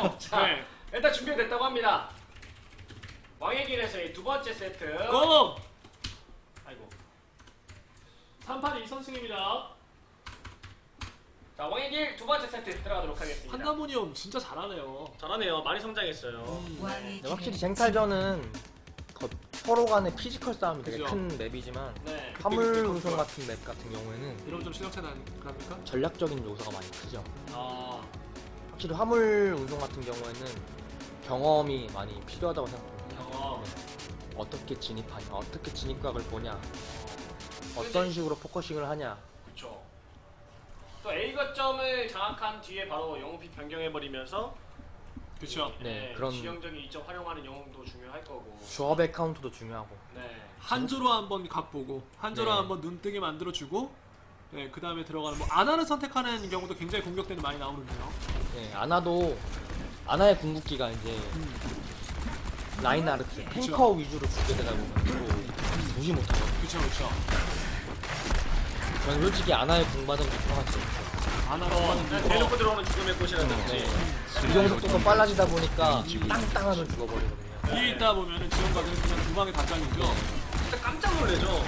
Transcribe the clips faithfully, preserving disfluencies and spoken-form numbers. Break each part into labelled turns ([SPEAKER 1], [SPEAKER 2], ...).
[SPEAKER 1] 자,
[SPEAKER 2] 네.
[SPEAKER 1] 일단 준비됐다고 합니다. 왕의 길에서의 두 번째 세트.
[SPEAKER 2] 고!
[SPEAKER 1] 아이고.
[SPEAKER 2] 삼 판 이 선승입니다.
[SPEAKER 1] 자, 왕의 길 두 번째 세트 들어가도록 하겠습니다.
[SPEAKER 2] 한나무니 형 진짜 잘하네요.
[SPEAKER 1] 잘하네요. 많이 성장했어요.
[SPEAKER 2] 음.
[SPEAKER 3] 네, 확실히 쟁탈전은 더 서로 간의 피지컬 싸움이 되게
[SPEAKER 2] 그죠.
[SPEAKER 3] 큰 맵이지만
[SPEAKER 1] 네.
[SPEAKER 3] 화물
[SPEAKER 2] 그때
[SPEAKER 3] 운송
[SPEAKER 2] 그때
[SPEAKER 3] 같은 맵 같은 경우에는
[SPEAKER 2] 이러면 좀 실력차 나니까?
[SPEAKER 3] 전략적인 요소가 많이 크죠.
[SPEAKER 1] 아,
[SPEAKER 3] 확실히 화물 운송 같은 경우에는 경험이 많이 필요하다고 생각합니다.
[SPEAKER 1] 경험.
[SPEAKER 3] 네. 어떻게 진입하냐, 어떻게 진입각을 보냐, 어떤 식으로 포커싱을 하냐.
[SPEAKER 1] 그렇죠. 또 A 거점을 장악한 뒤에 바로 영웅픽 변경해버리면서
[SPEAKER 2] 그쵸.
[SPEAKER 3] 네,
[SPEAKER 1] 네,
[SPEAKER 3] 그런
[SPEAKER 1] 지형적인 이점 활용하는 영웅도 중요할 거고.
[SPEAKER 3] 조합의 카운트도 중요하고.
[SPEAKER 1] 네.
[SPEAKER 2] 한조로 한번 각 보고 한조로
[SPEAKER 3] 네.
[SPEAKER 2] 한번 눈뜨게 만들어주고 네, 그 다음에 들어가는 뭐 아나를 선택하는 경우도 굉장히 공격대는 많이 나오는데요.
[SPEAKER 3] 네, 아나도 아나의 궁극기가 이제
[SPEAKER 2] 음.
[SPEAKER 3] 라인하르트 탱커 위주로 두게 되다 보면 또 무시 못하거든요.
[SPEAKER 2] 그쵸 그쵸.
[SPEAKER 3] 저는 솔직히 아나의 궁받은 게 편하지 않죠.
[SPEAKER 2] 아나로
[SPEAKER 1] 어,
[SPEAKER 2] 하는
[SPEAKER 1] 그냥
[SPEAKER 2] 거.
[SPEAKER 1] 대놓고 들어오는 죽음의 꽃이라든지.
[SPEAKER 3] 네. 이동 속도가 빨라지다 보니까 땅땅하면 죽어버리거든요.
[SPEAKER 2] 뒤에 있다 보면은 지원가들은 그냥 두 방에 다 잘리죠.
[SPEAKER 1] 진짜 깜짝 놀래죠.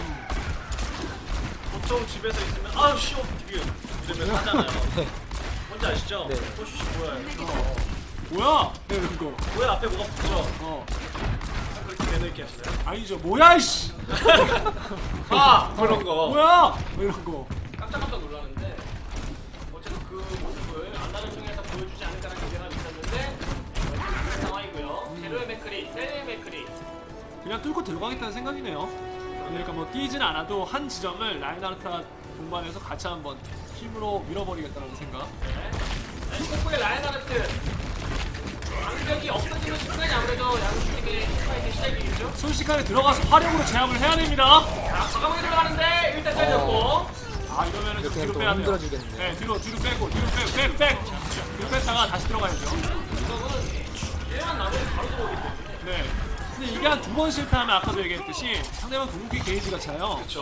[SPEAKER 1] 보통 집에서 있으면 아우 쉬워 되게 이러면 하잖아요. 뭔지 아시죠?
[SPEAKER 3] 네.
[SPEAKER 1] 호슈씨 뭐야?
[SPEAKER 2] 어. 뭐야? 네, 이런 거.
[SPEAKER 1] 뭐야 앞에 뭐가 붙죠?
[SPEAKER 2] 어.
[SPEAKER 1] 그렇게 매너있게 하시나요?
[SPEAKER 2] 아니죠. 뭐야 이씨.
[SPEAKER 1] 아 그런 거.
[SPEAKER 2] 뭐야? 뭐 이런 거.
[SPEAKER 1] 깜짝깜짝 놀랐는데 어쨌든 그 모습을 안나를 통해서 보여주지 않을까라는 기대가 있었는데 그런 상황이고요. 제로의 맥크리, 셀의 맥크리.
[SPEAKER 2] 그냥 뚫고 들어가겠다는 생각이네요. 그러니까 뭐 뛰진 않아도 한 지점을 라인하르트가 동반해서 같이 한번 힘으로 밀어버리겠다는 생각.
[SPEAKER 1] 네. 콩콩의 라인하르트. 강력이 없어지는 순간이 아무래도 양팀의 스파이크 시작이겠죠?
[SPEAKER 2] 순식간에 들어가서 화력으로 제압을 해야 됩니다.
[SPEAKER 1] 자, 과감하게 들어가는데 일단 잘렸고.
[SPEAKER 3] 어.
[SPEAKER 2] 아 이러면은 좀
[SPEAKER 3] 이렇게
[SPEAKER 2] 뒤로
[SPEAKER 3] 또
[SPEAKER 2] 빼야 돼요.
[SPEAKER 3] 힘들어지겠네요.
[SPEAKER 2] 네, 뒤로 뒤로 빼고 뒤로 빼고 백 백. 뒤로 뺐다가 다시 들어가야죠.
[SPEAKER 1] 이거는 얘만 나오면 바로 들어오기 때문에.
[SPEAKER 2] 네. 근데 이게 한 두 번 실패하면 아까도 얘기했듯이 상대방 궁극기 게이지가 차요.
[SPEAKER 1] 그렇죠.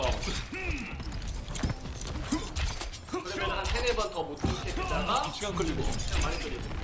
[SPEAKER 1] 그러면 한 세네 번 더 못 들게 되다가
[SPEAKER 2] 시간 끌리고.
[SPEAKER 1] 시간 많이 끌리고.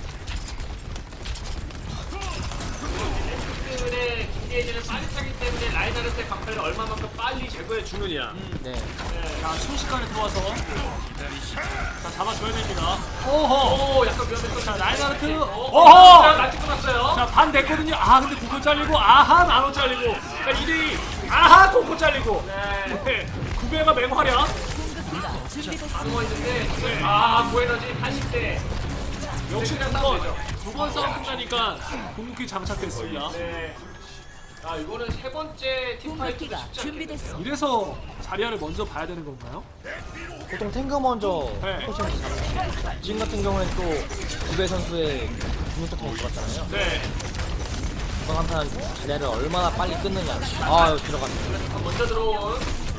[SPEAKER 1] 의 김게이지는 빨리 차기 때문에 라인하르트의 강타를 얼마만큼 빨리 제거해 주느냐.
[SPEAKER 3] 네.
[SPEAKER 1] 네.
[SPEAKER 2] 자 순식간에 들어와서 자 잡아줘야 됩니다. 오호.
[SPEAKER 1] 오, 약간 위험했어.
[SPEAKER 2] 자 라인하르트.
[SPEAKER 1] 오호.
[SPEAKER 2] 오호.
[SPEAKER 1] 날 찍고 났어요.
[SPEAKER 2] 자 반 됐거든요. 아 근데 구고 잘리고 아하 나노 잘리고. 자 이 대 이. 아하 고고 잘리고.
[SPEAKER 1] 네.
[SPEAKER 2] 네. 구배가 맹활약.
[SPEAKER 1] 다 누워있는데, 아, 고에너지 팔십 대.
[SPEAKER 2] 역시
[SPEAKER 1] 그냥
[SPEAKER 2] 두번
[SPEAKER 1] 싸우죠.
[SPEAKER 2] 두 번 싸움 끝나니까 궁극기 장착됐습니다.
[SPEAKER 1] 네. 아, 이거는 세 번째 팀파이트가
[SPEAKER 4] 공격기가
[SPEAKER 1] 쉽지 않겠네요.
[SPEAKER 4] 준비됐어.
[SPEAKER 2] 이래서 자리아를 먼저 봐야 되는 건가요?
[SPEAKER 3] 보통 탱크 먼저
[SPEAKER 2] 네.
[SPEAKER 3] 포커싱을 잡으시죠. 지금 같은 경우에는 또 구배 선수의 중력도 탱크 들어갔잖아요.
[SPEAKER 2] 네.
[SPEAKER 3] 이번 한판 자리를 얼마나 빨리 끊느냐. 아 들어갔네.
[SPEAKER 1] 먼저 들어온.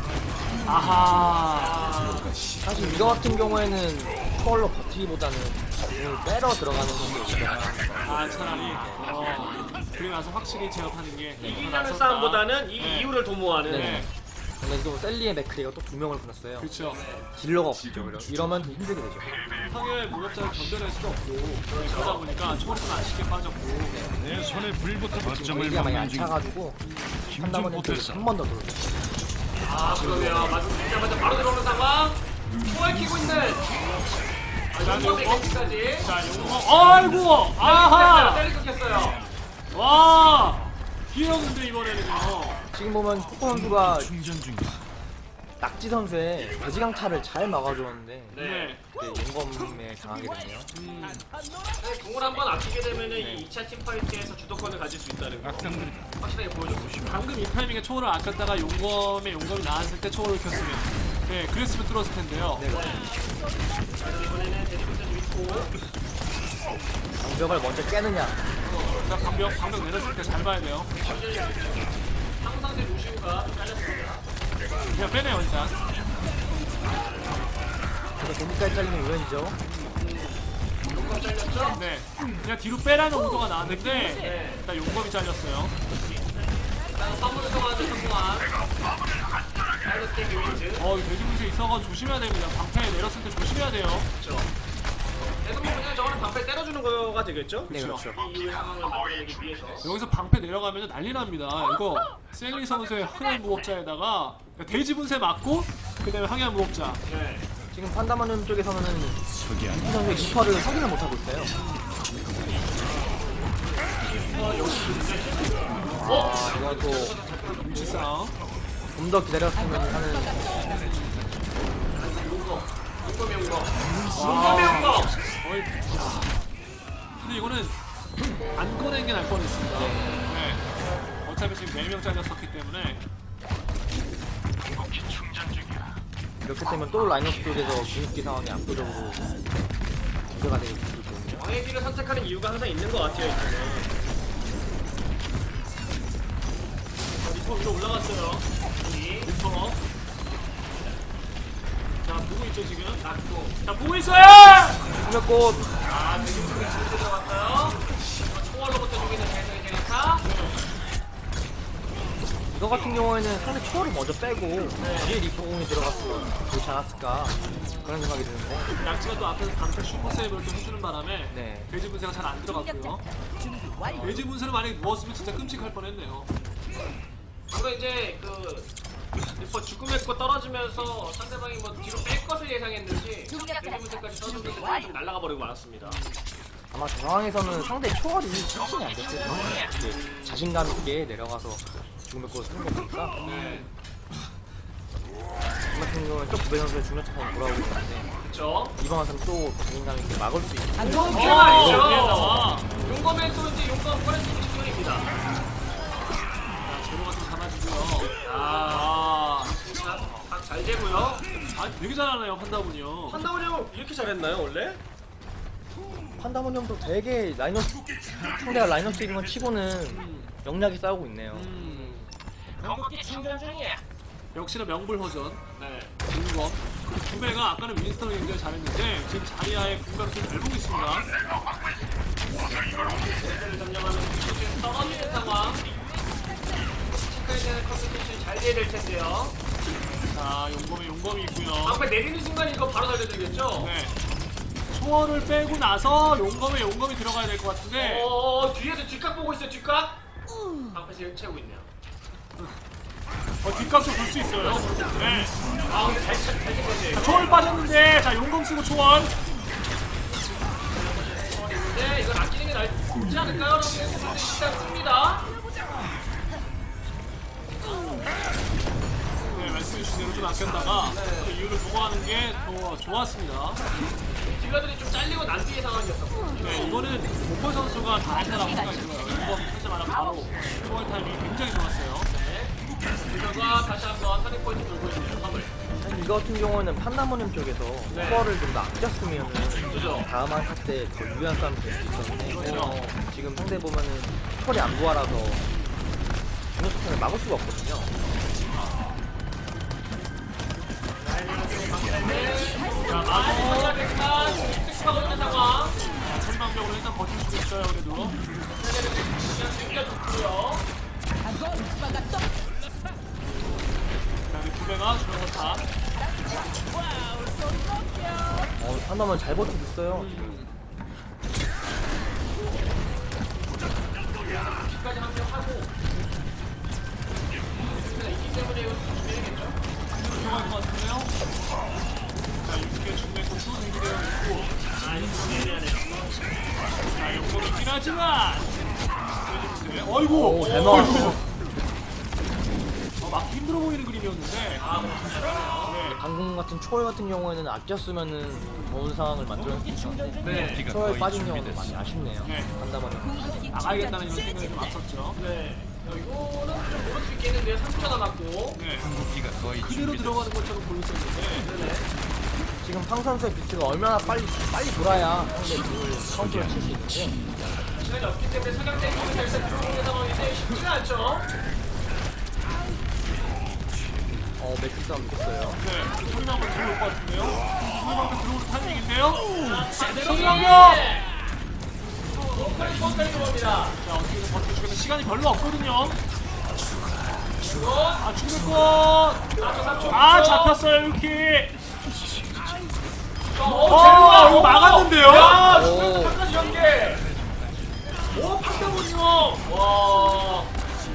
[SPEAKER 2] 아하.
[SPEAKER 3] 사실 이거 같은 경우에는 스컬로 버티기보다는 공을 빼러 들어가는 경우가
[SPEAKER 2] 아 차라리 어, 그리고 나서 확실히 제압하는 게
[SPEAKER 1] 이기려는 싸움보다는 이
[SPEAKER 2] 네.
[SPEAKER 1] 이유를 도모하는.
[SPEAKER 2] 네.
[SPEAKER 3] 근데 또 셀리의 맥크리가 또 두 명을 끊었어요.
[SPEAKER 2] 그렇죠.
[SPEAKER 3] 딜러가 없죠. 이러- 이러면 힘들게 되죠.
[SPEAKER 2] 상해의 무력자를 견뎌낼 수도 없고 그러다 보니까 초월은 안 쉽게 빠졌고
[SPEAKER 5] 내 손에 불부터
[SPEAKER 3] 지금
[SPEAKER 5] 거점을
[SPEAKER 3] 웨이가 많이
[SPEAKER 5] 막는 중.
[SPEAKER 3] 얕차가지고
[SPEAKER 5] 힘좀
[SPEAKER 3] 한다면
[SPEAKER 5] 못했어.
[SPEAKER 3] 한 번 더 들어오죠.
[SPEAKER 1] 아, 그러네요. 말씀드리자마자 바로 들어오는 상황. 초월 키고 있는. 아,
[SPEAKER 2] 자,
[SPEAKER 1] 용범의
[SPEAKER 2] 용범.
[SPEAKER 1] 겐지까지.
[SPEAKER 2] 자 용어 아이고 아하
[SPEAKER 1] 때리 끊겼어요.
[SPEAKER 2] 와 귀여운데 이번에는요.
[SPEAKER 3] 지금 보면 코코 선수가
[SPEAKER 5] 충전 중이야.
[SPEAKER 3] 낙지 선수의 돼지강타를 잘 막아줬는데
[SPEAKER 2] 네.
[SPEAKER 3] 네, 용검에 당하게 됐네요.
[SPEAKER 2] 음,
[SPEAKER 1] 네, 궁을 한번 아끼게 되면은 이 이 차 팀파이트에서 주도권을 가질 수 있다는 거
[SPEAKER 5] 악당들이
[SPEAKER 1] 확실하게 보여줬고.
[SPEAKER 2] 방금 이 타이밍에 초월을 아꼈다가 용검에 용검이 나왔을 때 초월을 켰으면 네 그랬으면 뚫었을 텐데요.
[SPEAKER 3] 네.
[SPEAKER 1] 이번에는 데리고까지 있고.
[SPEAKER 3] 장벽을 먼저 깨느냐.
[SPEAKER 2] 자 방벽 방벽 내렸을 때 잘 봐야 돼요.
[SPEAKER 1] 항상대 루시우가 좀 잘렸습니다.
[SPEAKER 2] 그냥 빼네요 일단.
[SPEAKER 3] 그래서 공기까지 잘리면 우연이죠.
[SPEAKER 1] 용검 잘렸죠?
[SPEAKER 2] 네. 그냥 뒤로 빼라는 오도가 나왔는데
[SPEAKER 1] 네.
[SPEAKER 2] 일단 용검이 잘렸어요.
[SPEAKER 1] 일단 선물을 통하는 성공한 파일럿의 윈즈.
[SPEAKER 2] 어, 이 돼지무새 있어가지고 조심해야 됩니다. 방패에 내렸을 때 조심해야 돼요.
[SPEAKER 1] 그렇죠. 그래서 뭐 그냥 저거는 방패 때려주는 거가 되겠죠?
[SPEAKER 3] 네, 그렇죠.
[SPEAKER 1] 이 이후의 상황을 만들어내기 위해서.
[SPEAKER 2] 여기서 방패 내려가면 난리 납니다. 이거 셀리 선수의 항해한 무법자에다가 돼지 분쇄 맞고 그다음에 항해한 무법자.
[SPEAKER 1] 네.
[SPEAKER 3] 지금 판다마늄 쪽에서는
[SPEAKER 5] 적이 아니
[SPEAKER 3] 이 선수의 이퍼를 확인을 못하고 있어요. 아, 이것도
[SPEAKER 2] 위치 싸움.
[SPEAKER 3] 좀 더 기다렸으면 하는.
[SPEAKER 1] 용검이 온 거. 용검이 온 거.
[SPEAKER 2] 거의. 근데 이거는 안 꺼낸 게 날 뻔했습니다. 네. 어차피 지금 네 명 잘렸었기 때문에.
[SPEAKER 3] 이렇게 되면 또 라이너스 쪽에서 분위기 상황이 압도적으로 문제가 되기 때문에.
[SPEAKER 1] 왕의 길을 선택하는 이유가 항상 있는 것 같아요. 이제는. 리퍼 위로 올라갔어요. 여기 리퍼. 자 보고 있죠 지금. 낙고. 자 보고 있어요.
[SPEAKER 3] 수면꽃
[SPEAKER 1] 아 대중적인 진짜 들어갔어요. 초월로부터 죽이는 대성의 제니타.
[SPEAKER 3] 이거 같은 경우에는 상대 초월을 먼저 빼고 뒤에 리퍼공이 들어갔으면 좋지 않았을까 그런 생각이 드는데.
[SPEAKER 2] 약지가 또 앞에서 방패 슈퍼 세이브를 좀 해주는 바람에
[SPEAKER 3] 네.
[SPEAKER 2] 돼지 분쇄가 잘 안 들어갔고요. 돼지 분쇄를 만약에 누웠으면 진짜 끔찍할 뻔했네요.
[SPEAKER 1] 그리고 이제 그 리퍼 죽음의 거 떨어지면서 상대방이 뭐 뒤로 뺄 것을 예상했는지 대중무대까지 떨어졌는데 좀 날아가 버리고 말았습니다.
[SPEAKER 3] 아마 저 상황에서는 상대 초월이 확신이 안 됐을 거예요. 이제 자신감 있게 내려가서 죽음의 꽃을 쓰는 거 보니까.
[SPEAKER 2] 네.
[SPEAKER 3] 이 같은 경우는 또 구배 선수의 중력차가 돌아오고 있는데
[SPEAKER 1] 그렇죠?
[SPEAKER 3] 이번 화선 또 자신감 있게 막을 수 있는.
[SPEAKER 1] 용검
[SPEAKER 2] 어,
[SPEAKER 1] 말이죠.
[SPEAKER 2] 나와.
[SPEAKER 1] 용검에 또 이제 용검 꺼낼 수 있는 직전입니다.
[SPEAKER 2] 자, 제로가 좀 잡아주고요.
[SPEAKER 1] 아,
[SPEAKER 2] 아,
[SPEAKER 1] 각잘 되고요.
[SPEAKER 2] 아 되게 잘하네요 판다군요.
[SPEAKER 1] 판다운이 형 이렇게 잘했나요 원래?
[SPEAKER 3] 판다모니엄도 되게 라인업 상대가 라인업 쓰는 건 치고는 영리하게 싸우고 있네요.
[SPEAKER 2] 음,
[SPEAKER 1] 건국기 충전 중이야.
[SPEAKER 2] 역시나 명불허전.
[SPEAKER 1] 네.
[SPEAKER 2] 공검. 구배가 아까는 윈스턴을 굉장히 잘했는데 지금 자리아의 공격을 좀 잘 보고 있습니다.
[SPEAKER 1] 세트를 점령하는 지금 떨어지는 상황. 체크에 대한 컴퓨테이션이 잘 돼야 될 텐데요.
[SPEAKER 2] 자, 용검에 용검이 있고요.
[SPEAKER 1] 방패 내리는 순간 이거 바로 달려들겠죠?
[SPEAKER 2] 네. 초월을 빼고 나서 용검에 용검이 들어가야 될 것 같은데.
[SPEAKER 1] 어, 뒤에서 뒷각 보고 있어요, 뒷각? 방패 지금 채우고 있네요.
[SPEAKER 2] 어, 뒷각 좀 볼 수 있어요. 네.
[SPEAKER 1] 아, 근데 잘, 잘, 잘 챙겼네요.
[SPEAKER 2] 자, 초월 빠졌는데, 자, 용검 쓰고 초월.
[SPEAKER 1] 근데 이건 아끼는 게 낫지 않을까요? 라고 생각했는데 일단 씁니다.
[SPEAKER 2] 네, 말씀해주신 대로 좀 아꼈다가 그 이유를 보고하는 게 더 좋았습니다.
[SPEAKER 1] 딜러들이 좀 잘리고 난 뒤의 상황이었었고.
[SPEAKER 2] 네, 이거는 모포 선수가 다 했다라고 생각이 들어요. 용검 하자마자 바로 초월 타이밍이 굉장히 좋았어요.
[SPEAKER 1] 딜러가 다시 한번 터닝 포인트 돌고 있네요, 화물.
[SPEAKER 3] 이거 같은 경우에는 판다모니엄 쪽에서
[SPEAKER 1] 네.
[SPEAKER 3] 초월을 좀 더 아꼈으면은
[SPEAKER 1] 그죠?
[SPEAKER 3] 다음 한타 때더 유리한 싸움이 될 수 있었는데
[SPEAKER 2] 그렇죠.
[SPEAKER 3] 어, 지금 상대 보면은 초월이 안 부활라서 중력차를 막을 수가 없거든요.
[SPEAKER 1] 자, 마무리 성공했지만 득하고 있는 상황.
[SPEAKER 2] 자, 천방벽으로 일단 버틸 수 있어요, 그래도.
[SPEAKER 1] 그냥 챙겨줬고요.
[SPEAKER 2] 자, 우리 구배가 주는 다.
[SPEAKER 3] 어, 판다모니엄 잘 버티고 있어요.
[SPEAKER 1] 끝까지 합격하고. 그래서 이기 때문에 이거 준비해야겠죠?
[SPEAKER 2] 들어갈 것 같은데요? 자, 육개 중매고 또 준비되어 있고.
[SPEAKER 1] 아, 이거 내려야네요.
[SPEAKER 2] 자, 용검이 있긴 하지만. 어이구!
[SPEAKER 3] 오, 잘 막았어.
[SPEAKER 2] 어, 막기 힘들어 보이는 그림이었는데.
[SPEAKER 1] 아, 뭐,
[SPEAKER 3] 방금 같은 초월 같은 경우에는 아꼈으면은 좋은 상황을 만들어낼 수 있었는데
[SPEAKER 1] 네.
[SPEAKER 5] 기가
[SPEAKER 3] 초월
[SPEAKER 5] 거의
[SPEAKER 3] 빠진 경우는
[SPEAKER 5] 준비됐어.
[SPEAKER 3] 많이 아쉽네요.
[SPEAKER 2] 네.
[SPEAKER 3] 판다모니엄.
[SPEAKER 2] 나가야겠다는 이런 생각이 좀 앞섰죠.
[SPEAKER 1] 네. 어, 이거는 좀 모를 수 있겠는데요. 삼십 초 남았고.
[SPEAKER 2] 네.
[SPEAKER 5] 기가 거의
[SPEAKER 2] 그대로
[SPEAKER 5] 준비됐어.
[SPEAKER 2] 들어가는 것처럼 보였었는데.
[SPEAKER 1] 네네.
[SPEAKER 3] 지금 팡 선수의 비트가 얼마나 빨리 빨리 돌아야 상대 공을 카운터를 칠 수 있는데
[SPEAKER 1] 시간이 없기 때문에 사격대 공을 잘 들어오는 상황인데 쉽지가 않죠.
[SPEAKER 3] 어 매트 싸움 됐어요.
[SPEAKER 2] 네. 소리만 한번 들어올 것 같은데요? 소리만 한번 들어올 타이밍인데요?
[SPEAKER 1] 제대로
[SPEAKER 2] 성공력!
[SPEAKER 1] 로컬이 슈퍼까지 들어옵니다.
[SPEAKER 2] 자, 어떻게든 버텨주겠다. 시간이 별로 없거든요.
[SPEAKER 1] 그리고
[SPEAKER 2] 아, 죽을 것!
[SPEAKER 1] 삼 초 삼 초.
[SPEAKER 2] 아, 잡혔어요, 이렇게! 어, 이거 막았는데요?
[SPEAKER 1] 야,
[SPEAKER 3] 오.
[SPEAKER 1] 중간에서 끝까지 연계. 오, 판다군요. 와.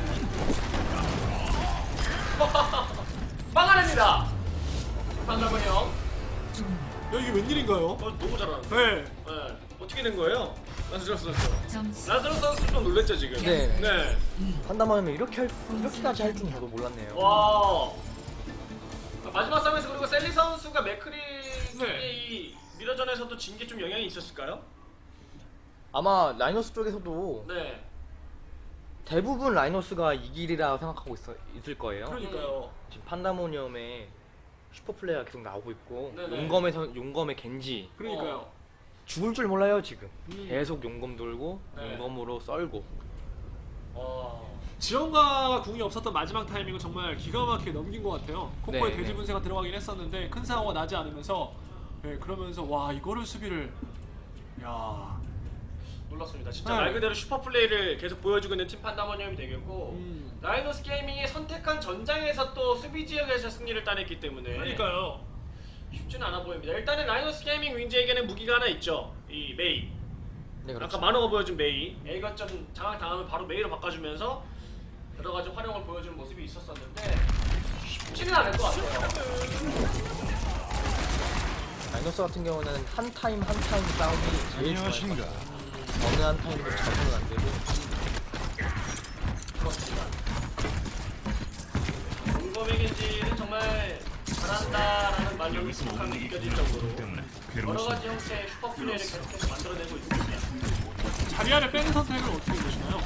[SPEAKER 1] 막아냅니다. 판다군요.
[SPEAKER 2] 야, 이게 웬일인가요?
[SPEAKER 1] 어, 너무 잘하는데.
[SPEAKER 2] 네.
[SPEAKER 1] 네. 어떻게 된 거예요? 라스로 선수.
[SPEAKER 4] 점수
[SPEAKER 1] 라스로 선수 좀 놀랬죠 지금.
[SPEAKER 3] 네.
[SPEAKER 1] 네.
[SPEAKER 3] 판다마면 이렇게 할, 이렇게까지 할 줄은 저도 몰랐네요.
[SPEAKER 1] 와. 마지막 싸움에서 그리고 셀리 선수가 맥크리
[SPEAKER 2] 네.
[SPEAKER 1] 이 미러전에서도 진 게 좀 영향이 있었을까요?
[SPEAKER 3] 아마 라이너스 쪽에서도
[SPEAKER 1] 네.
[SPEAKER 3] 대부분 라이너스가 이길이라 생각하고 있어, 있을 거예요.
[SPEAKER 2] 그러니까요.
[SPEAKER 3] 지금 판다모니엄에 슈퍼플레이가 계속 나오고 있고
[SPEAKER 1] 네네.
[SPEAKER 3] 용검에서 용검의 겐지
[SPEAKER 2] 그러니까요.
[SPEAKER 3] 죽을 줄 몰라요 지금.
[SPEAKER 2] 음.
[SPEAKER 3] 계속 용검 돌고
[SPEAKER 1] 네.
[SPEAKER 3] 용검으로 썰고.
[SPEAKER 1] 와.
[SPEAKER 2] 지원가가 궁이 없었던 마지막 타이밍은 정말 기가 막히게 넘긴 것 같아요. 콤보에
[SPEAKER 3] 네,
[SPEAKER 2] 돼지
[SPEAKER 3] 네.
[SPEAKER 2] 분쇄가 들어가긴 했었는데 큰 사고가 나지 않으면서 네, 그러면서 와 이거를 수비를 야
[SPEAKER 1] 놀랐습니다. 진짜
[SPEAKER 2] 네.
[SPEAKER 1] 말 그대로 슈퍼 플레이를 계속 보여주고 있는 팀 판다모니엄이 되겠고
[SPEAKER 2] 음.
[SPEAKER 1] 라이노스 게이밍이 선택한 전장에서 또 수비 지역에서 승리를 따냈기 때문에
[SPEAKER 2] 그러니까요.
[SPEAKER 1] 쉽지는 않아 보입니다. 일단은 라이노스 게이밍 윈즈에게는 무기가 하나 있죠. 이 메이.
[SPEAKER 3] 네, 그렇죠.
[SPEAKER 1] 아까 만호가 보여준 메이. A 거점 장악 당하면 바로 메이로 바꿔주면서 여러 가지 활용을 보여주는 모습이 있었었는데 쉽지는 않을 것 같아요.
[SPEAKER 3] 라이너스 같은 경우는 한 타임 한 타임 싸움이 제일 좋아요.
[SPEAKER 5] 안녕하신가.
[SPEAKER 3] 어느 한 타임도 잡으면 안 되고.
[SPEAKER 1] 공범의 겐지는 정말 잘한다라는 말로 익숙함이 느껴질 정도로
[SPEAKER 5] 때문에
[SPEAKER 1] 여러
[SPEAKER 5] 괴로우신
[SPEAKER 1] 가지 형태의 슈퍼 플레이를 계속해서 만들어내고 있습니다.
[SPEAKER 2] 자리아를 빼는 선택은 어떻게 보시나요?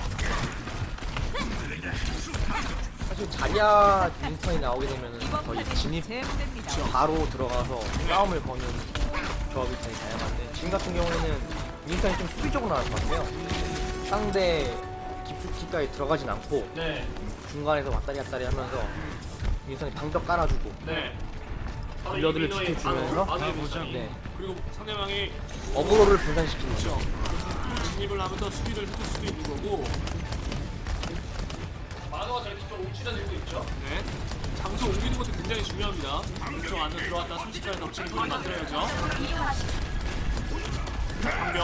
[SPEAKER 3] 사실 자리아 윈스턴이 나오게 되면 거의 진입 바로 들어가서 싸움을 거는 조합이 되게 다양한데 지금 같은 경우에는 윈스턴이 좀 수비적으로 나올 것 같아요. 상대 깊숙이까지 들어가진 않고
[SPEAKER 1] 네,
[SPEAKER 3] 중간에서 왔다리 갔다리 하면서 윈스턴이 방벽 깔아주고
[SPEAKER 1] 네. 바로
[SPEAKER 3] 딜러들을
[SPEAKER 1] 이민호의
[SPEAKER 3] 지켜주면서
[SPEAKER 1] 바로, 바로
[SPEAKER 5] 가보자.
[SPEAKER 1] 윈스턴이.
[SPEAKER 3] 네,
[SPEAKER 2] 그리고 상대방이
[SPEAKER 3] 어그로를 분산시키는 거죠.
[SPEAKER 2] 그렇죠. 진입을 하면서 수비를 해줄 수도 있는 거고
[SPEAKER 1] 만호가 저렇게 좀 움츠려들고 있죠.
[SPEAKER 2] 네. 장소 옮기는 것도 굉장히 중요합니다. 이쪽 안으로 들어왔다 순식간에 덮치는 분을 만들어야죠. 방벽.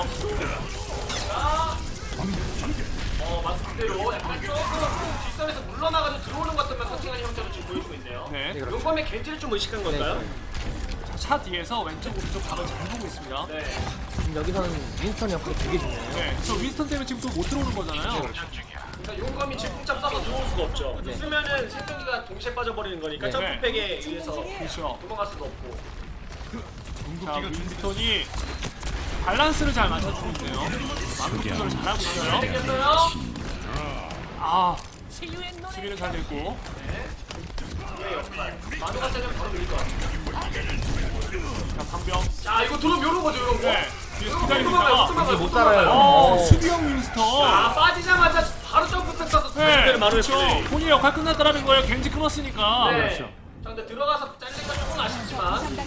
[SPEAKER 1] 어, 말씀대로 약간 조금 뒷선에서 물러나가지고 들어오는 것 같으면 커팅하는 형태로 지금 보여주고 있네요.
[SPEAKER 2] 네.
[SPEAKER 3] 네, 그렇죠.
[SPEAKER 1] 용범의 겐지를 좀 의식한
[SPEAKER 3] 네,
[SPEAKER 1] 건가요?
[SPEAKER 3] 네.
[SPEAKER 2] 차 뒤에서 왼쪽 오른쪽 각을 잘 보고 있습니다.
[SPEAKER 1] 네.
[SPEAKER 3] 지금 여기서는 윈스턴 역할이 되게 중요해요.
[SPEAKER 2] 네. 저 윈스턴 때문에 지금 또 못 들어오는 거잖아요.
[SPEAKER 1] 그러니까 용검이 질풍잡 쏴서 들어올 수가 없죠.
[SPEAKER 3] 네.
[SPEAKER 1] 쓰면은 생존기가 동시에 빠져버리는 거니까
[SPEAKER 3] 네.
[SPEAKER 1] 점프팩에 의해서
[SPEAKER 2] 그렇죠.
[SPEAKER 1] 도망갈 수가 없고.
[SPEAKER 2] 자,
[SPEAKER 5] 궁극기가
[SPEAKER 2] 윈스턴이 밸런스를 잘 맞춰주고 있네요. 마크 조절을 잘하고 있어요.
[SPEAKER 1] 생겼어요?
[SPEAKER 2] 아, 수비는 잘 됐고.
[SPEAKER 1] 예, 역할. 만호가 세면 바로 밀릴 것 같아요.
[SPEAKER 2] 자, 방병.
[SPEAKER 1] 자, 이거 들어오면 요런 거죠, 요런 거.
[SPEAKER 2] 네. 뒤에서
[SPEAKER 1] 요런 거,
[SPEAKER 2] 기다리고
[SPEAKER 1] 요런 거,
[SPEAKER 2] 있다가.
[SPEAKER 1] 요런 거,
[SPEAKER 3] 이제 못
[SPEAKER 1] 요런
[SPEAKER 3] 살아요.
[SPEAKER 1] 거.
[SPEAKER 2] 어,
[SPEAKER 3] 어.
[SPEAKER 2] 수비형 윈스턴.
[SPEAKER 1] 아, 빠지자마자 바로 점프팩 쏴서
[SPEAKER 2] 네,
[SPEAKER 1] 만호의
[SPEAKER 2] 그렇죠.
[SPEAKER 1] 플레이.
[SPEAKER 2] 본인의 역할 끝났다라는 거예요. 겐지 끊었으니까.
[SPEAKER 1] 네.
[SPEAKER 3] 그렇죠.
[SPEAKER 1] 자, 근데 들어가서 잘린 건 조금 아쉽지만.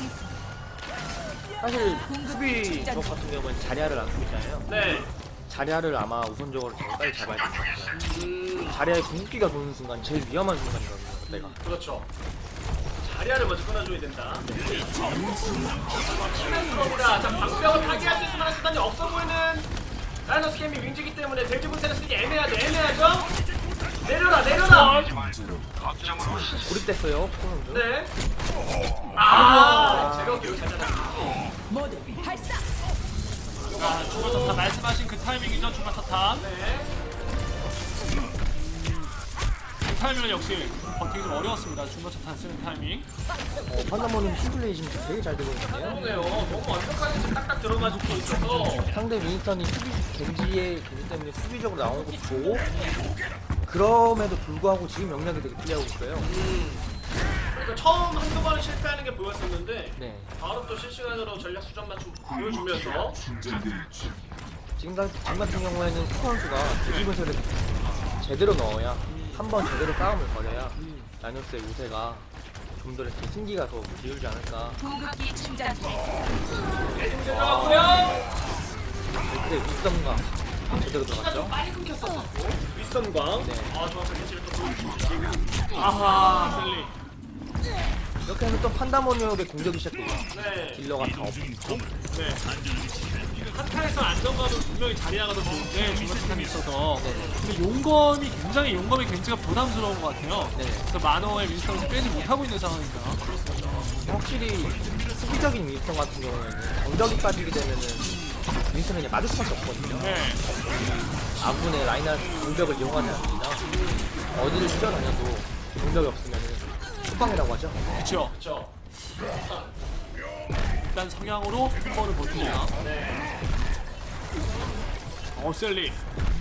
[SPEAKER 3] 사실 수비 조합 같은 경우는 자리아를 안 쓰고 있잖아요.
[SPEAKER 1] 네.
[SPEAKER 3] 자리아를 아마 우선적으로 제일 빨리 잡아야 될 것 같아요.
[SPEAKER 1] 음,
[SPEAKER 3] 자리아의 궁극기가 도는 순간 제일 위험한 순간이거든요. 그때가.
[SPEAKER 1] 그렇죠. 자리아를 먼저 끊어줘야 된다. 치면 들어옵니다. 자, 방벽을 파괴할 수 있을 만한 수단이 없어 보이는 라이너스 게임이 윙즈이기 때문에 대지 분쇄를 쓰기 애매하죠. 애매하죠? 내려라, 내려라!
[SPEAKER 3] 고립됐어요. 코너도.
[SPEAKER 1] 네. 아, 제가 기억 잘 잡았어요.
[SPEAKER 2] 자, 중간 타탄 말씀하신 그 타이밍이죠. 중간 타탄.
[SPEAKER 1] 네.
[SPEAKER 2] 그 타이밍은 역시 버티기 좀 어려웠습니다. 중간 타탄 쓰는 타이밍.
[SPEAKER 3] 어, 판다모님 팀플레이 지금 되게 잘 되고 있는데요.
[SPEAKER 1] 그러네요. 너무 완벽하게 지금 딱딱 들어가지고 있어서.
[SPEAKER 3] 상대 윈스턴이 수비, 겐지의 겐지 때문에 수비적으로 나오는 것도 보고 그럼에도 불구하고 지금 영역이 되게 플레이하고 있어요.
[SPEAKER 1] 그러니까 처음 한두 번은 실패하는 게 보였었는데
[SPEAKER 3] 네.
[SPEAKER 1] 바로 또 실시간으로 전략 수정 맞춤 보여주면서
[SPEAKER 3] 지금, 가, 지금 같은 경우에는 코 선수가 대지분쇄를 제대로 넣어야 한 번 제대로 싸움을 걸어야 라이너스의 우세가 좀 더 이렇게 승기가 더 기울지 않을까.
[SPEAKER 4] 궁극기 충전 중.
[SPEAKER 1] 들어갔고요.
[SPEAKER 3] 근데 윗선과 제대로
[SPEAKER 1] 시간 좀
[SPEAKER 3] 들어갔죠.
[SPEAKER 1] 빨리 끊겼었고 윗선광.
[SPEAKER 3] 네.
[SPEAKER 1] 아, 정확한 위치를 또 보여주고.
[SPEAKER 2] 아하, 셀리.
[SPEAKER 3] 이렇게 하면 또 판다모니오의 공격이 시작되죠.
[SPEAKER 1] 네.
[SPEAKER 3] 딜러가 다 없고.
[SPEAKER 2] 네. 한타에서 안정감은 분명히 자리아가 더 좋은데 중간차탄이 있어서 근데 용검이 굉장히 용검의 겐지가 부담스러운 것 같아요.
[SPEAKER 3] 네.
[SPEAKER 2] 그래서 만호의 윈스턴을 빼지 못하고 있는 상황입니다.
[SPEAKER 3] 확실히 수비적인 윈스턴 같은 경우에는 공격이 빠지게 되면은 윈스턴은 그냥 맞을 수밖에 없거든요.
[SPEAKER 2] 네.
[SPEAKER 3] 아군의 라인하르트 공격을 이용하지 않습니다. 어디를 뛰어다녀도 공격이 없으면은 속방이라고 하죠.
[SPEAKER 2] 그렇죠.
[SPEAKER 1] 그렇죠.
[SPEAKER 2] 일단 성향으로 한 번을 버팁니다.
[SPEAKER 1] 네.
[SPEAKER 2] 어, 셀리.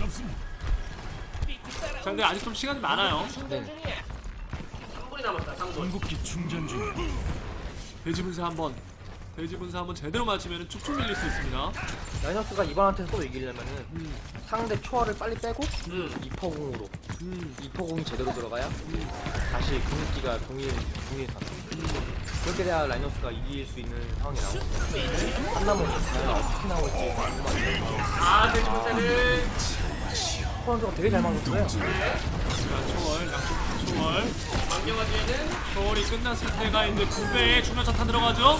[SPEAKER 2] 자, 근데 아직 좀 시간이 많아요.
[SPEAKER 3] 네.
[SPEAKER 1] 삼 분이 남았다. 삼 분.
[SPEAKER 5] 궁극기 충전 중.
[SPEAKER 2] 돼지 분쇄 한 번. 돼지 분쇄 한 번 제대로 맞으면 쭉쭉 밀릴 수 있습니다.
[SPEAKER 3] 라이너스가 이번한테서 또 이기려면은
[SPEAKER 2] 음,
[SPEAKER 3] 상대 초월을 빨리 빼고
[SPEAKER 1] 음.
[SPEAKER 3] 이퍼공으로
[SPEAKER 2] 음,
[SPEAKER 3] 이퍼공이 제대로 들어가야 다시 궁극기가 동일 동일 가 그렇게 돼야 라이너스가 이길 수 있는 상황이 나오고 한나무는 과연 어떻게 나올지 궁금한데
[SPEAKER 1] 아, 돼지 분쇄는
[SPEAKER 3] 코런스가 되게 잘 막았어요.
[SPEAKER 2] 자, 초월, 양쪽 초월.
[SPEAKER 1] 망령화 뒤에는
[SPEAKER 2] 초월이 끝났을 때가 이제 두 배의 중간 차탄 들어가죠.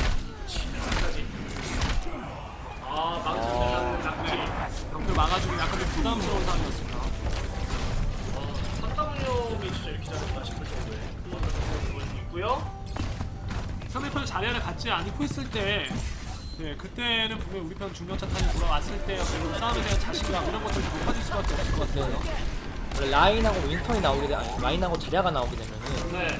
[SPEAKER 1] 아, 망치는 낙지.
[SPEAKER 2] 병들 막아주기 약간 좀 부담스러운 상황이었습니다.
[SPEAKER 1] 어, 삼다문용이 진짜 이렇게 잘했나 싶을 정도의 그런 모습을 보여주고 있고요.
[SPEAKER 2] 상대편이 자리를 갖지 않고 있을 때, 네, 그때는 분명히 우리 편 중간 차탄이 돌아왔을 때 그리고 싸움에 대한 자신감 이런 것들이 높아질 수밖에 없을 것 같아요.
[SPEAKER 3] 원래 라인하고 윈스턴이 나오게 되 아니 라인하고 자리아가 나오게 되면은
[SPEAKER 1] 네.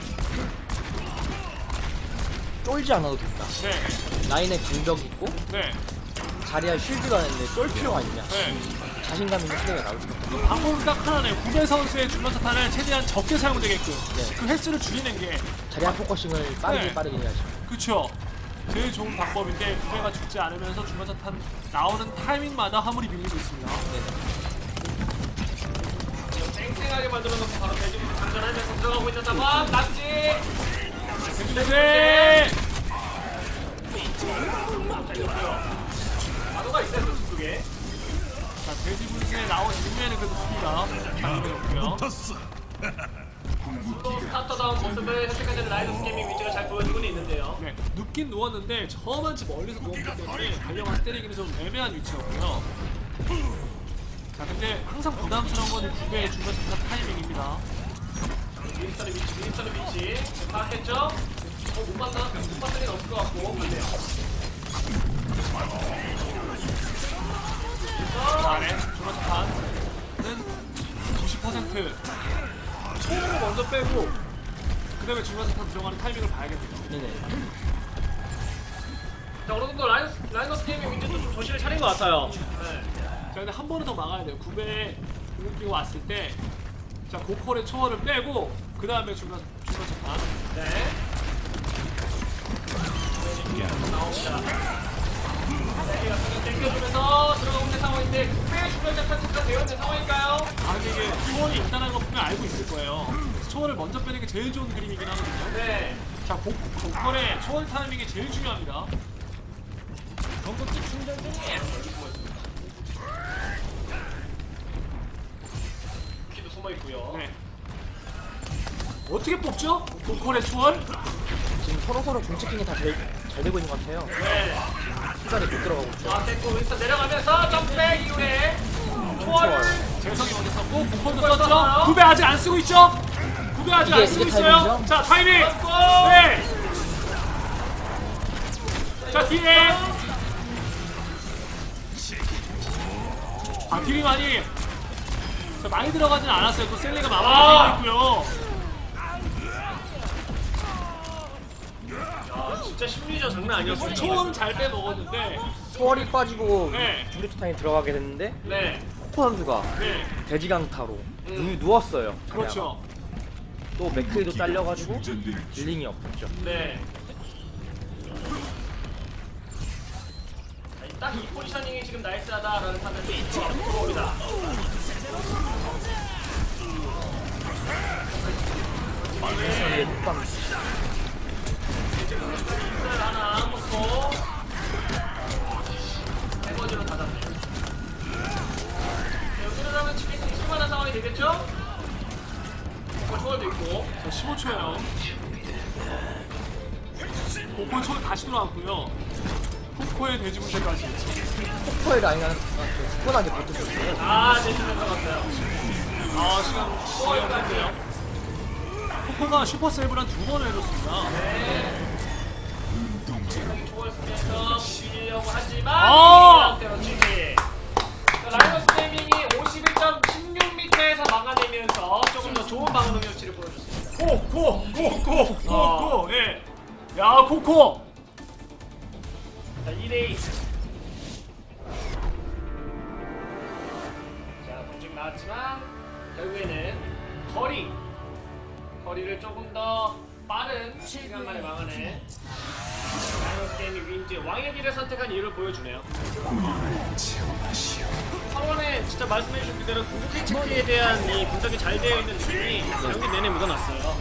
[SPEAKER 3] 쫄지 않아도 됩니다.
[SPEAKER 2] 네,
[SPEAKER 3] 라인에 공격이 있고
[SPEAKER 2] 네,
[SPEAKER 3] 자리아 쉴드가 있는데 쫄 필요가 있냐?
[SPEAKER 2] 네.
[SPEAKER 3] 자신감 있는 플레이가 나올 수밖에 없어요.
[SPEAKER 2] 방법은 딱 하나네요. 구배 선수의 중간 차탄을 최대한 적게 사용되게끔
[SPEAKER 3] 네.
[SPEAKER 2] 그 횟수를 줄이는 게
[SPEAKER 3] 자리아 포커싱을 빠르게
[SPEAKER 2] 네.
[SPEAKER 3] 빠르게 해야죠.
[SPEAKER 2] 그쵸. 제일 좋은 방법인데 구배가 죽지 않으면서 중간 차탄 나오는 타이밍마다 화물이 밀리고 있습니다.
[SPEAKER 3] 네네.
[SPEAKER 1] 땡땡하게 만들어놓고 바로 돼지 분쇄 장전하면서 들어가고 있는 상황. 낙지.
[SPEAKER 2] 네.
[SPEAKER 1] 마도가 있어요, 그쪽에.
[SPEAKER 2] 자, 돼지 분쇄에 나온 직면에는 그래도 수비가 잘해줬고요.
[SPEAKER 5] 떴어.
[SPEAKER 1] 또 스타터다운 모습을 현재까지는 라이너스 게이밍 위치가 잘 보여주고는 있는데요.
[SPEAKER 2] 네, 눕긴 누웠는데 저만치 멀리서 누웠기 때문에 달려가서 때리기는 좀 애매한 위치였고요. 자, 근데 항상 부담스러운 건 구배의 중간 차탄 타이밍입니다.
[SPEAKER 1] 윈스턴의 위치, 윈스턴의 위치. 파악했죠? 어, 못 봤나? 못 봤을 리는 없을 것 같고. 맞네요.
[SPEAKER 2] 자, 네, 중간 차탄은 구십 퍼센트 초를 먼저 빼고 그 다음에 중간 차탄 들어가는 타이밍을 봐야겠네요.
[SPEAKER 3] 네네.
[SPEAKER 1] 자, 어느 정도 라이너스, 라이너스 게이밍 위치도 좀 정신을 차린 것 같아요. 네.
[SPEAKER 2] 자, 근데 한 번은 더 막아야 돼요. 구배에 공격기가 왔을 때, 자, 고퀄의 초월을 빼고, 그 다음에 중간, 중간 차탄.
[SPEAKER 1] 네. 나옵니다. 세계가 손을 땡겨주면서 들어가고 있는 상황인데 꽤 중간 작전 체크가 되어 있는 상황일까요?
[SPEAKER 2] 아, 근데 이게 초월이 있다는 거 분명 알고 있을 거예요. 그래서 초월을 먼저 빼는 게 제일 좋은 그림이긴 하거든요.
[SPEAKER 1] 네.
[SPEAKER 2] 자, 고, 고퀄의 초월 타이밍이 제일 중요합니다.
[SPEAKER 1] 키도 숨어 있고요.
[SPEAKER 2] 네. 어떻게 뽑죠? 고퀄의 초월?
[SPEAKER 3] 지금 서로 서로 중치킹이 다 잘 되고 있는 것 같아요.
[SPEAKER 1] 네.
[SPEAKER 3] 시간이 못 들어가고 있죠.
[SPEAKER 1] 아, 됐고 윈스턴 내려가면서 점프백 이후에 초월을
[SPEAKER 2] 재성이 먼저 썼고, 고퀄도
[SPEAKER 1] 고퀄
[SPEAKER 2] 썼죠?
[SPEAKER 1] 썼나요?
[SPEAKER 2] 구배 아직 안 쓰고 있죠? 구배 아직
[SPEAKER 3] 이게-
[SPEAKER 2] 안 쓰고
[SPEAKER 3] 이게
[SPEAKER 2] 있어요?
[SPEAKER 3] 타이밍이죠?
[SPEAKER 2] 자, 타이밍!
[SPEAKER 1] 썼고
[SPEAKER 2] 네! 자, 뒤에! 아, 딜이 많이 자, 많이 들어가진 않았어요. 또 셀리가
[SPEAKER 1] 아!
[SPEAKER 2] 마무리되어 있고요.
[SPEAKER 1] 아, 진짜 심리전 장난 아니었습니다.
[SPEAKER 2] 초월은 잘 빼먹었는데,
[SPEAKER 3] 초월이 빠지고
[SPEAKER 2] 네.
[SPEAKER 3] 중류투탄이 들어가게 됐는데
[SPEAKER 1] 네.
[SPEAKER 3] 코코 선수가
[SPEAKER 2] 네,
[SPEAKER 3] 돼지강타로 누, 누웠어요. 자리아가.
[SPEAKER 2] 그렇죠.
[SPEAKER 3] 또 맥크리도 잘려가지고 딜링이 없었죠.
[SPEAKER 1] 네. 딱 이 포지셔닝이 지금 나이스하다라는 판단이 들어옵니다.
[SPEAKER 3] 네, 뚝방.
[SPEAKER 1] 을 하나 먹고 세 번째로 닫았네요. 네, 여기를 하면 치킨 쓸만한 상황이 되겠죠? 어, 초월도 있고.
[SPEAKER 2] 자, 십오 초예요. 고코의 초를 다시 돌아왔고요. 코코의 돼지 분쇄까지.
[SPEAKER 3] 포커의 라인을 굳건하게 버텼었어요.
[SPEAKER 1] 아, 내주면 들어갔어요.
[SPEAKER 2] 아 시간 시간인데요. 코코가 슈퍼 세이브를 한 두 번을 해줬습니다.
[SPEAKER 1] 상당히 초월 쓰면서 비비려고 하지만
[SPEAKER 2] 아!
[SPEAKER 1] 이런 지지. 라이너스 게이밍이 오십일 점 십육 미터에서 막아내면서 조금 더 좋은 방어 능력치를 보여줬습니다.
[SPEAKER 2] 코코 코코
[SPEAKER 1] 어.
[SPEAKER 2] 코코 예. 야 코코.
[SPEAKER 1] 자, 이 대 이. 자, 동작 나왔지만 결국에는 거리. 거리를 조금 더 빠른 시간 만에 막아내. 라이너스 게이밍 윈즈 왕의 길을 선택한 이유를 보여주네요. 서원에 진짜 말씀해주신 그대로 궁극기 체크에 대한 이 분석이 잘 되어 있는 느낌이 경기 내내 묻어났어요.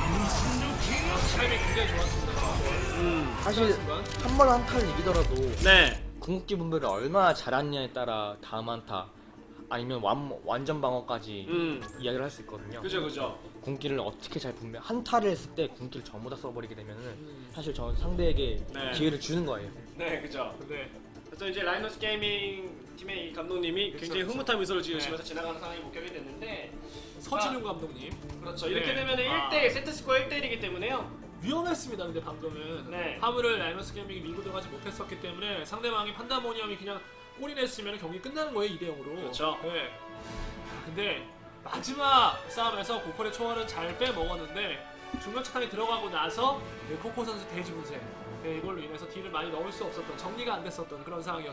[SPEAKER 2] 타이밍 굉장히 좋았습니다.
[SPEAKER 1] 음,
[SPEAKER 3] 사실 한 번 한타를 이기더라도
[SPEAKER 1] 네.
[SPEAKER 3] 궁극기 분배를 얼마나 잘했냐에 따라 다음 한타 아니면 완, 완전 방어까지
[SPEAKER 1] 음,
[SPEAKER 3] 이야기를 할 수 있거든요.
[SPEAKER 1] 그죠, 그죠.
[SPEAKER 3] 궁기를 어떻게 잘 분배 한타를 했을 때 궁기를 전부 다 써버리게 되면은 사실 전 상대에게
[SPEAKER 1] 네.
[SPEAKER 3] 기회를 주는 거예요.
[SPEAKER 1] 네, 그죠.
[SPEAKER 2] 네.
[SPEAKER 1] 그래서 이제 라이너스 게이밍 팀의 이 감독님이
[SPEAKER 2] 그쵸,
[SPEAKER 1] 굉장히
[SPEAKER 2] 그쵸.
[SPEAKER 1] 흐뭇한 미소를 지으시면서 지나가는 상황이 목격이 됐는데,
[SPEAKER 2] 서진웅 감독님.
[SPEAKER 1] 그렇죠. 이렇게
[SPEAKER 2] 네.
[SPEAKER 1] 되면
[SPEAKER 2] 아.
[SPEAKER 1] 일 대 일, 세트 스코어 일 대 일이기 때문에요.
[SPEAKER 2] 위험했습니다. 근데 방금은
[SPEAKER 1] 네.
[SPEAKER 2] 화물을 라이너스 게이밍이 밀고 들어가지 못했었기 때문에 상대방이 판다모니엄이 그냥 골이 냈으면 경기 끝나는 거예요. 이 대 영으로.
[SPEAKER 1] 그렇죠.
[SPEAKER 2] 네. 근데 마지막 싸움에서 고콜의 초월은 잘 빼먹었는데 중력차탄이 들어가고 나서 네, 코코 선수 돼지 분쇄 네, 이걸로 인해서 딜을 많이 넣을 수 없었던 정리가 안 됐었던 그런 상황이었습니다.